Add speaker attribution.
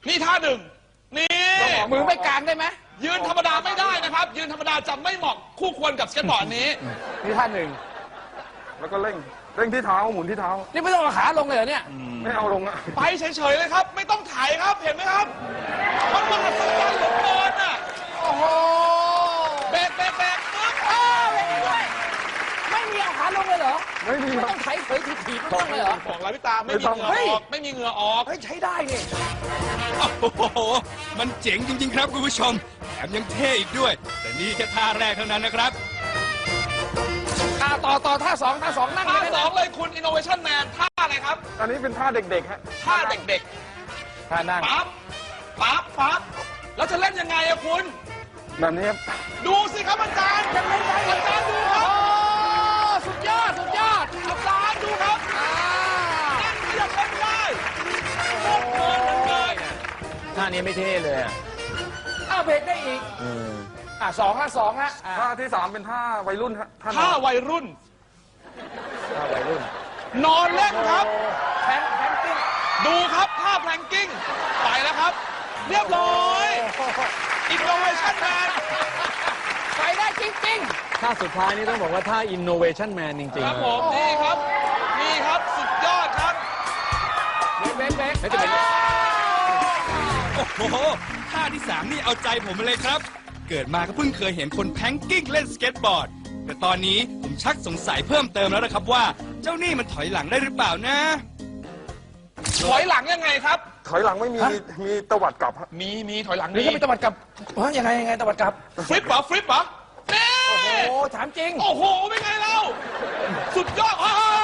Speaker 1: นี่ท่าหนึ่งนี่
Speaker 2: มือไม่กลางได้ไหม
Speaker 1: ยืนธรรมดาไม่ได้นะครับ ยืนธรรมดาจะไม่เหมาะคู่ควรกับสเก็ตบอร์ดนี้
Speaker 2: นี่ท่าหนึ่ง
Speaker 3: แล้วก็เร่งที่เท้าหมุนที่เท้า
Speaker 2: นี่ไม่ต้องเอาขาลงเลยเหรอเนี่ย
Speaker 3: ไม่เอาลงอะ
Speaker 1: ไปเฉยๆเลยครับ ไม่ต้องถ่ายครับเห็นไหมครับมันมหัศจรรย์เหลือเกินอ่ะ
Speaker 2: โอ้โห
Speaker 1: เบรกปึ๊บ
Speaker 2: ไม่มีด้วยไม่มีเอาขาลงเลยเหรอ
Speaker 3: ไม่มี
Speaker 2: ไม่
Speaker 3: ครั
Speaker 2: ต้อบ งไถเผยถีบๆไม่ต้องเลยเหรอ
Speaker 1: บอกแล้วพี่ตาไม่มีเหงื่อออกไม่มีเหงื่อออก
Speaker 2: เฮ้ยใช้ได้นี่
Speaker 4: โอ้โห มันเจ๋งจริงๆครับคุณผู้ชม แถมยังเท่อีกด้วย แต่นี่แค่ท่าแรกเท่านั้นนะครับ
Speaker 2: ต่อท่าสองนั่ง
Speaker 1: ท่า
Speaker 2: เลย
Speaker 1: ส
Speaker 2: นะ
Speaker 1: องเลยคุณ Innovation Man ท่าอะไรครับ
Speaker 3: อันนี้เป็นท่าเด็กๆฮะ
Speaker 1: ท่าเด็ก
Speaker 2: ท่านั่ง
Speaker 1: ๆปั๊บแล้วจะเล่นยังไงอะคุณ
Speaker 3: แบบนี้ครับ
Speaker 1: ดูสิครับอาจารย์จะเล่นไงอาจารย์ดูค
Speaker 2: โอ้
Speaker 1: รับ
Speaker 2: สุดยอด
Speaker 1: อาจารย์ดูครับนั่นขยับเล่นได้โคตรเพลินเลย
Speaker 5: ท่านี้ไม่เท่เลยอะ
Speaker 2: อ้าวเบรกได้อีกสองละอ่า
Speaker 3: ท่าที่ 3 เป็นท่าวัยรุ่นฮะท่าน
Speaker 1: ท่า
Speaker 3: อน
Speaker 1: วัยรุ่น
Speaker 2: ท่าวัยรุ่น
Speaker 1: นอนเล่นครับ
Speaker 2: แพนติ้ง
Speaker 1: ดูครับท่าแพลงกิ้งไปแล้วครับ เรียบร้อย Innovation Man
Speaker 2: ไปได้จริง
Speaker 5: ท่าสุดท้ายนี่ต้องบอกว่าท่า Innovation Man จริง
Speaker 1: ค
Speaker 5: ๆ
Speaker 1: รับ
Speaker 5: เล
Speaker 1: ผ
Speaker 5: ย
Speaker 1: มนี่ครับสุดยอดครับ
Speaker 2: ๆเบรก
Speaker 5: ไม่จะเป็น
Speaker 4: โอ้โห ท่าที่ 3 นี่เอาใจผมมาเลยครับ เกิดมาก็เพิ่งเคยเห็นคนแพงกิ้งเล่นสเก็ตบอร์ด แต่ตอนนี้ผมชักสงสัยเพิ่มเติมแล้วนะครับว่า เจ้านี่มันถอยหลังได้หรือเปล่านะ
Speaker 1: ถอยหลังยังไงครับ
Speaker 3: ถอยหลังไม่มีมีตวัดกลับฮะ
Speaker 1: มีถอยหลัง
Speaker 2: นี่ก็มีตะวัดกลับยังไงตะวัดกลับ
Speaker 1: ฟลิปเหรอนี่
Speaker 2: โอ้ถามจริง
Speaker 1: โอ้โหเป็นไงเราสุดยอด